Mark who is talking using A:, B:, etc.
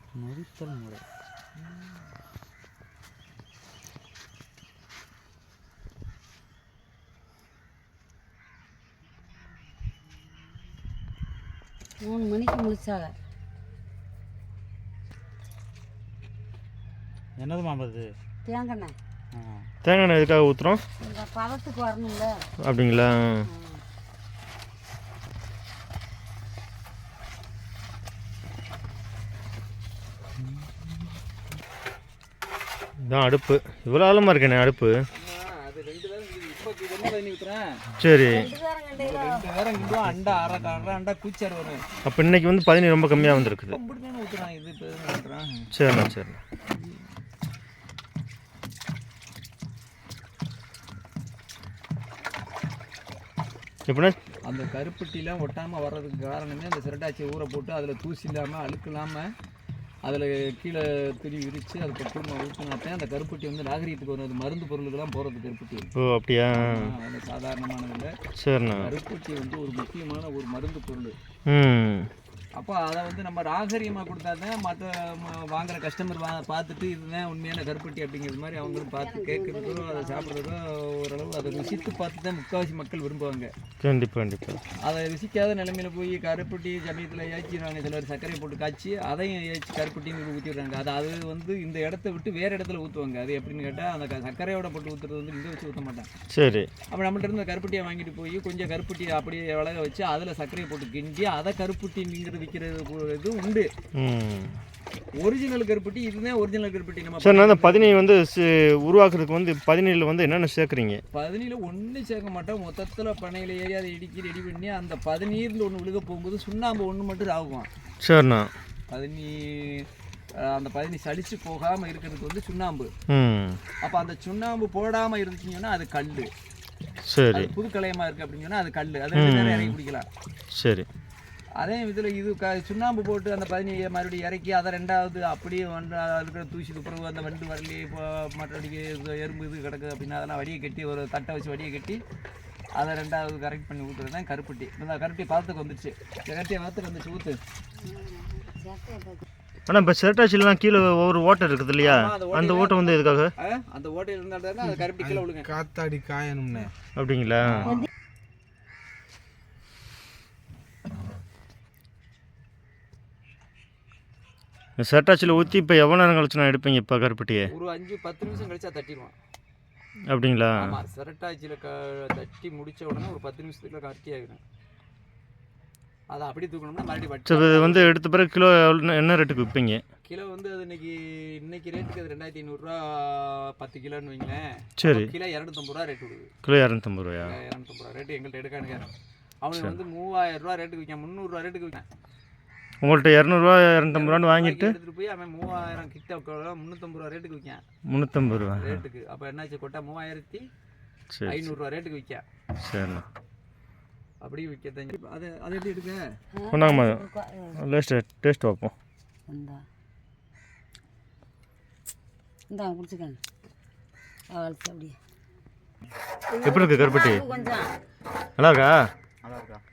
A: நொறித்தல் முறை.
B: மூணு மணிக்கு முடிச்சாங்க.
A: என்னது மாம்பது?
B: தேங்காய்.
C: தேங்காய் எதுக்காக ஊற்றுறோம்?
B: இந்த பழத்துக்கு வரணும்ல.
C: அப்படிங்களா? இதான் அடுப்பு. இவ்வளோ ஆழமாக இருக்கேண்ணே அடுப்பு. சரி. அப்போ இன்னைக்கு வந்து பதினி ரொம்ப கம்மியாக வந்துருக்குது. சரிண்ணா சரிண்ணா. எப்படின்னா
D: அந்த கருப்பட்டிலாம் ஒட்டாமல் வர்றதுக்கு காரணமே அந்த சிரட்டாச்சியை ஊற போட்டு அதில் தூசி இல்லாமல் அழுக்கு இல்லாமல் அதில் கீழே துணி விரித்து அதை பட்டு ஊற்றினாத்தான் அந்த கருப்பட்டி வந்து நாகரீகத்துக்கு வரும். அது மருந்து பொருளுக்கெல்லாம் போகிறது கருப்பட்டி.
C: ஓ அப்படியா?
D: அது சாதாரணமானதில்லை.
C: சரிண்ணா.
D: கருப்பட்டி வந்து ஒரு முக்கியமான ஒரு மருந்து பொருள். அப்போ அதை வந்து நம்ம நாகரீகமாக கொடுத்தா தான் மற்ற வாங்குகிற கஸ்டமர் பார்த்துட்டு இதுதான் உண்மையான கருப்பட்டி அப்படிங்கிறது மாதிரி அவங்களும் பார்த்து கேட்குறதோ அதை சாப்பிட்றதோ ஓரளவு அதை ருசித்து பார்த்து தான் முக்கால்வாசி மக்கள் விரும்புவாங்க.
C: கண்டிப்பாக கண்டிப்பாக.
D: அதை ருசிக்காத நிலைமையில் போய் கருப்பட்டி சமயத்தில் ஏச்சிடுவாங்க. சிலர் சர்க்கரை போட்டு காய்ச்சி அதையும் ஏச்சி கருப்பட்டின்னு ஊற்றிடுறாங்க. அது வந்து இந்த இடத்த விட்டு வேறு இடத்துல ஊற்றுவாங்க. அது எப்படின்னு கேட்டால் அந்த சர்க்கரையோட போட்டு ஊற்றுறது வந்து இங்கே வச்சு ஊற்ற மாட்டாங்க. சரி. அப்போ நம்மள்ட்ட இருந்து கருப்பட்டியை வாங்கிட்டு போய் கொஞ்சம் கருப்பட்டியை அப்படியே விலக வச்சு அதில் சர்க்கரையை போட்டு கிண்டி அதை கருப்பட்டிங்கிறது விற்கிறது இது உண்டு. ஒரிஜினல் கருப்பட்டி இதுதான் ஒரிஜினல் கருப்பட்டி. நம்ம
C: சார் அந்த பதினி வந்து உருவாக்குறதுக்கு வந்து பதினியில் வந்து என்னென்ன சேர்க்குறீங்க?
D: பதினியில் ஒன்றும் சேர்க்க மாட்டோம். மொத்தத்தில் பனையில் ஏறி அதை இடிக்கி ரெடி பண்ணி அந்த பதினீரில் ஒன்று விழுக போகும்போது சுண்ணாம்பு ஒன்று மட்டும் ஆகும்.
C: சரிண்ணா.
D: அந்த பதினி சளிச்சு போகாமல் இருக்கிறதுக்கு வந்து சுண்ணாம்பு. அப்போ அந்த சுண்ணாம்பு போடாமல் இருந்துச்சிங்கன்னா அது கல். சரி. புது கலையமாக இருக்குது அப்படின்னு சொன்னால் அது கல். அது இறக்கி குடிக்கலாம். சரி. அதே இதில் இது சுண்ணாம்பு போட்டு அந்த பதினியை மறுபடியும் இறக்கி அதை ரெண்டாவது அப்படியே வந்து இருக்கிற தூசிக்கு பிறகு அந்த வண்டு வரலி இப்போ மற்றபடிக்கு எறும்பு இது கிடக்குது அப்படின்னா அதெல்லாம் வடியை கட்டி ஒரு தட்டை வச்சு வடியை கட்டி அதை ரெண்டாவது கரெக்ட் பண்ணி ஊற்றுறது தான் கருப்பட்டி. இந்த கருப்பட்டி பார்த்துக்கு வந்துடுச்சு. கருப்பட்டியை பார்த்துக்கு வந்துச்சு ஊற்று.
C: ஆனால் இப்போ சிரட்டாச்சிலாம் கீழே ஒவ்வொரு ஓட்டை இருக்குது இல்லையா? அந்த ஓட்டை வந்து எதுக்காக?
D: அந்த ஓட்டை இருந்தால் அது கருப்பட்டி கீழே விழுங்க.
A: காத்தாடி காயணும்னு.
C: அப்படிங்களா? சிரட்டாச்சியில் ஊற்றி இப்போ எவ்வளோ நேரம் கழிச்சு நான் எடுப்பீங்க இப்போ கருப்பட்டியை?
D: ஒரு 5-10 நிமிஷம் கழிச்சா தட்டிடுவான்.
C: அப்படிங்களா?
D: ஆமாம். சிரட்டாச்சியில் தட்டி முடித்த உடனே ஒரு 10 நிமிஷத்துக்குள்ள கருட்டி ஆகிடும். அதை அப்படி தூக்கணும்னா மறுபடியும் வட்டி.
C: இது வந்து எடுத்த பிறகு கிலோ என்ன ரேட்டுக்கு விற்பீங்க?
D: கிலோ வந்து அது இன்னைக்கு ரேட்டுக்கு அது 2500 10 கிலோன்னு வைங்களேன்.
C: சரி.
D: கிலோ 250 ரேட் விடுது.
C: கிலோ 250
D: 250 ரேட்டு எங்கள்கிட்ட எடுக்கானுங்க. அவனுக்கு வந்து 3000 ரேட்டுக்கு விற்கான், 300 ரேட்டுக்கு விற்கான்.
C: உங்கள்கிட்ட 200 250 வாங்கிட்டு
D: எடுத்துகிட்டு போய் அவன் 3000 கிட்ட 350 ரேட்டுக்கு விற்கான்.
C: 350
D: ரேட்டுக்கு. அப்போ என்னாச்சு கொட்டா 3500 ரேட்டுக்கு விற்கான். சரிண்ணா. அப்படி விற்க அது அது எப்படி எடுக்க
C: கொண்டாங்கம்மா டேஸ்ட் பார்ப்போம்.
B: இந்தா குடிச்சுக்கங்க. அப்படியே
C: எப்படி இருக்கு கருப்பட்டி?
B: கொஞ்சம்
C: நல்லா இருக்கா?
A: நல்லா இருக்கா?